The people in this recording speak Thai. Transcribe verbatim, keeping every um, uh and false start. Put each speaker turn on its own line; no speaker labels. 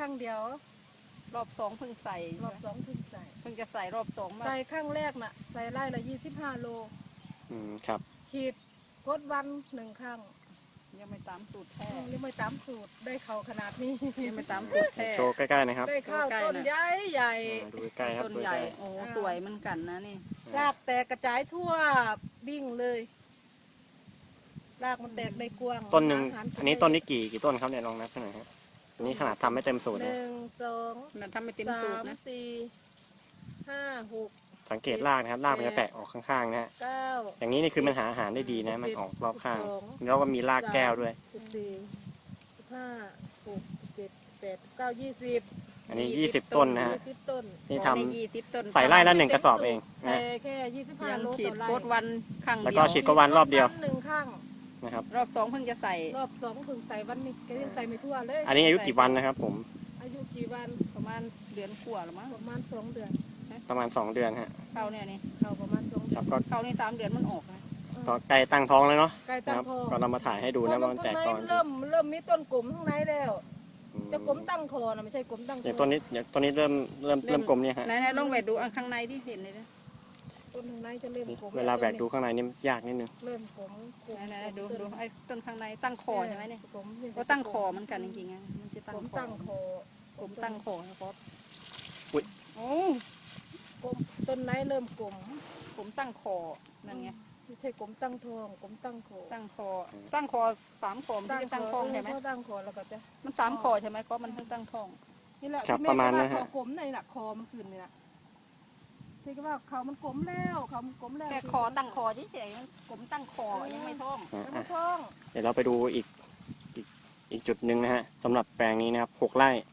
รั้งเดียว
รอบสองเพิ่งใส่
รอบสองเพิ่งใส่
เพิ่งจะใส่รอบสองมา
ใส่ครั้งแรกน่ะใส่ไร่ละยี่สิบห้าโล
อืมครับ
ฉีดกดวันหนึ่งครั้ง
ยังไม่ตามสูตรแท้
ยังไม่ตามสูตรได้เขาขนาดนี้
ยังไม่ตามสูตรแท้
โชว์ใกล้ๆนะครับ
ได้ข้าวต้นใหญ่ใหญ่
ดูใกล้ครับ
ต้นใหญ่โอ้สวยเหมือนกันนะนี่
รากแตกกระจายทั่วบิ่งเลยรากมันแตกได้กว้าง
ต้นหนึ่งอันนี้ต้นนี้กี่กี่ต้นครับเนี่ยลองนับหน่อยครับอันนี้ขนาดทำไม่เต็มสูตร
ห
นะ
นึ่งสอง
มันทำไม่เต็ม
สาม
สูตรนะ
สี่ห้าหก
สังเกตรากนะครับรากมันจะแตกออกข้างๆนะฮะ
เก้า
อย่างนี้นี่คือมันหาอาหารได้ดีนะมันออกรอบข้างแล้วก็มีรากแก้วด้วย
สิบสี่สิบห้าหกเจ็ดแปดเก้ายี่สิบ
อันนี้ยี่สิบต้นนะฮะ
ยี่สิบต้น
นี่ท
ำ
ใส่ไร่ละหนึ่งกระสอบเอง
ใส่
นะ
แค่ยี่สิบห้า
ยัง
โล
ฉี
ต่
ด
อไร่
โคตรวันครั้งเดียว
แล้วก็ฉีดก็วันรอบเดียว
หนึ่งครั้ง
นะครับ
รอบสองเพิ่งจะใส่
รอบสองถึงใส่วันนี้ก็ยังใส่ไม่ทั่วเลย
อันนี้อายุกี่วันนะครับผม
อายุกี่วัน
ประมาณเดือนกว่าหรือมั้ง
ประมาณสองเดือน
ประมาณสองเดือนฮะ
เข้าเนี่ยนี่
เขาประมาณสองเดือน
เข้านี่สามเดือนมันออกนะ
ก็ใกล้ตั้งท้องแล้วเนาะ
ใกล้ตั้งท้อง
ก็เรามาถ่ายให้ดูนะว่ามันแตกตอน
เริ่มเริ่มมีต้นกลมข้างในแล้วจะกลมตั้งคอนะไม่ใช่กลมตั้ง
อย่างต้นนี้อย่างต้นนี้เริ่มเริ่มเริ่มกลมเนี่ยฮะ
ไหนๆลองแหวกดูอันข้างในที่เห็นเลยนะ
ต้นข้างในจะเริ่มกลม
เวลาแหวกดูข้างในนี่ยากนิดนึง
เริ่มกลม
ไหนๆดูดูไอ้ต้นข้างในตั้งคอใช่ไหมเนี่ยก็ตั้งคอเหมือนกันจริงๆอ่ะมันจะตั้งคอ
ตั้งคอ
ผมตั้งคอนะครับ
อุ้ย
โอ้
กลมต้นไหนเริ่มกลม
ผมตั้งคอนั่นไง
ไม่ใช่กลมตั้งทองกลมตั้งคอ
ตั้งคอตั้งคอสามคอมันจะตั้งท้องใช่ไหม
ตั้งคอแล้วก็จะ
มันสามคอใช่ไหมเพราะมันทั้งตั้งท้อง
นี่แหละ
ประมาณนั้น
ฮะกลมในหนักคอมันขึ้นนี่นะที่ว่าเขามันกลมแล้วเขามันกลมแล้ว
แค่คอตั้งคอเฉยๆมันกลมตั้งคอยังไม่ท้อง
ยังไม่ท้อง
เดี๋ยวเราไปดูอีกอีกอีกจุดหนึ่งนะฮะสำหรับแปลงนี้นะครับหกไร่